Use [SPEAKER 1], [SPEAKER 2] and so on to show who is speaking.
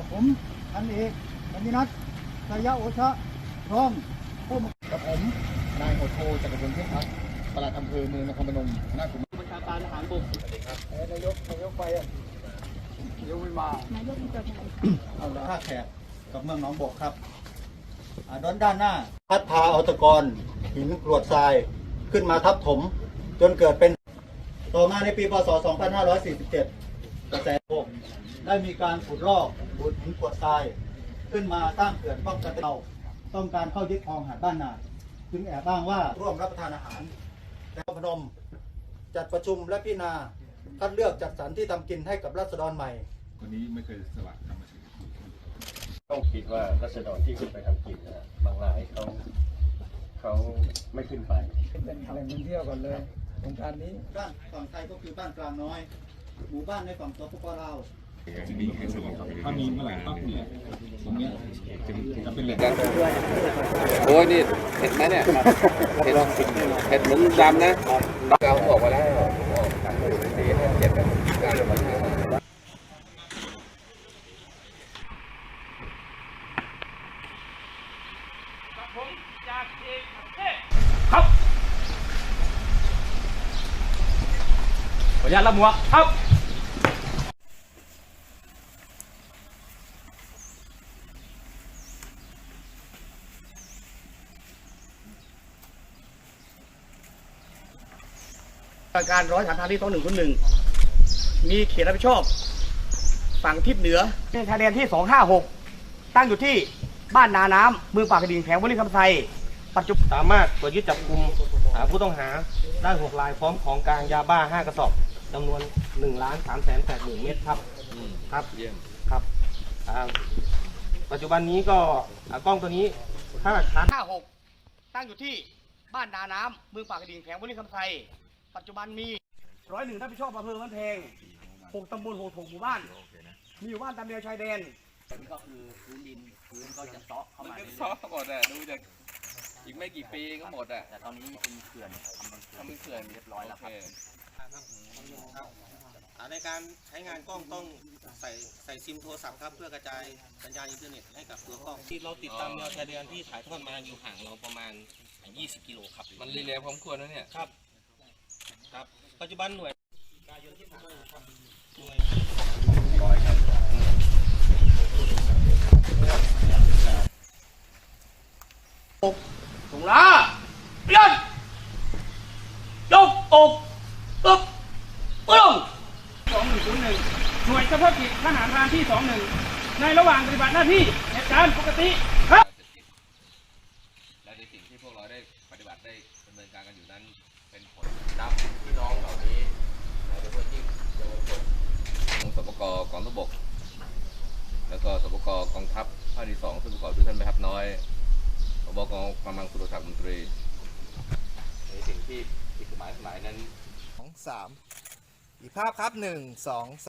[SPEAKER 1] ผมพันเอกกัญญนัทสยโอชะพร้อมผู้กับผมนายโหดโทจักรพลเทพทัศน์ปลัดอำเภอเมืองนครพนมคณะผู้บัญชาการทหารบกสวัสดีครับนายกไปอ่ะนายกไม่มานายกมีตัวแทนเอาละท่าแขกกับเมืองหนองบกครับด้านหน้าพัดพาเอาตะกอนหินกรวดทรายขึ้นมาทับถมจนเกิดเป็นต่อมาในปีพศ 2547 กระแสโลกได้มีการขุดลอกขุดหินกรวดทรายขึ้นมาสร้างเขื่อนป้องกันเราต้องการเข้ายึดครองหาดบ้านนาจึงแอบอ้างว่าร่วมรับประทานอาหารแต่พนมจัดประชุมและพิจารณาคัดเลือกจัดสรรที่ทำกินให้กับราษฎรใหม่
[SPEAKER 2] คนนี้ไม่เคยสละธรรมชาติ
[SPEAKER 3] ต้องคิดว่ารัษฎรที่ขึ้นไปทำกินนะบางรายเขาไม่ขึ้นไป
[SPEAKER 1] เป็นแหล่งท่องเที่ยวก่อนเลยโครงการนี้บ้านฝั่งไทยก็คือบ้านกลางน้อยหมู่บ้านในฝั่งสปป.ลาว
[SPEAKER 2] ถ้ามีเมื่อไหร่ปั๊บเนี่ยตรงนี้จะเป็นแหล่ง
[SPEAKER 4] โอ้ยนี่เห็ดไหมเนี่ยเห็ดหลุมดำนะเกาออกมาแล้วเจ็บการ
[SPEAKER 5] ครับขออนุญาตรับหัวครับการร้อยฐานทางที่2101มีเขตรับผิดชอบฝั่งทิศเหนือเป็นชายแดนที่256ตั้งอยู่ที่บ้านนาน้ำเมืองปากกระดิ่งแขวงวลิคำไซปัจจุบัน
[SPEAKER 3] สามารถตรวจยึดจับกุมผู้ต้องหาได้6 รายพร้อมของกลางยาบ้า5 กระสอบจำนวน1,380,000 เม็ดครับครับครับปัจจุบันนี้ก็กล้องตัวนี้ถ้าหลักฐาน
[SPEAKER 5] 56ตั้งอยู่ที่บ้านนาน้ำเมืองปากกระดิ่งแขวงวลิคำไซปัจจุบันมี101รับผิดชอบอำเภอมันแพง6 ตำบล6 หมู่บ้านมีอยู่บ้านตามแนวชายแดน
[SPEAKER 4] ก็คือพื้นดินก็จะเซาะเข้ามาเซาะหมดอ่ะดูจากอีกไม่กี่ปีก็หมดอ่ะแต่ตอนนี้เป็นเขื่อนทำเป็นเขื่อนเรียบร้อยแล้วครับ
[SPEAKER 3] ในการใช้งานกล้องต้องใส่ซิมโทรศัพท์ครับเพื่อกระจายสัญญาณอินเทอร์เน็ตให้กับตัวกล้องที่เราติดตามแนวชายแดนที่ถ่ายทอดมาอยู่ห่างเราประมาณ20 กิโลครับ
[SPEAKER 4] มันรีเลย์พร้อมควรนะเนี่ย
[SPEAKER 3] ครับปัจจุบันหน่วยการยนต์ที่ผ่านมาครับหน่วยร้อยครับ
[SPEAKER 5] ถุงละเปลี่ยนยกอกตึ๊บปึ้ง2101หน่วยเฉพาะกิจทหารพรานที่21ในระหว่างปฏิบัติหน้าที่เหตุการณ์ปกติครับ
[SPEAKER 4] และในสิ่งที่พวกเราได้ปฏิบัติได้ดำเนินการกันอยู่นั้นเป็นผลนับพี่น้องเหล่านี้โดยเฉพาะยิ่งเยาวชนของสปก.กองทัพบกแล้วก็สปก.กองทัพภาคที่2ซึ่งประกอบด้วยท่านแม่ทัพน้อยผบ.กองกำลังสุรศักดิ์มนตรีในสิ่งที่ผิดกฎหมายนั้น
[SPEAKER 6] 2 3อีกภาพครับ1 2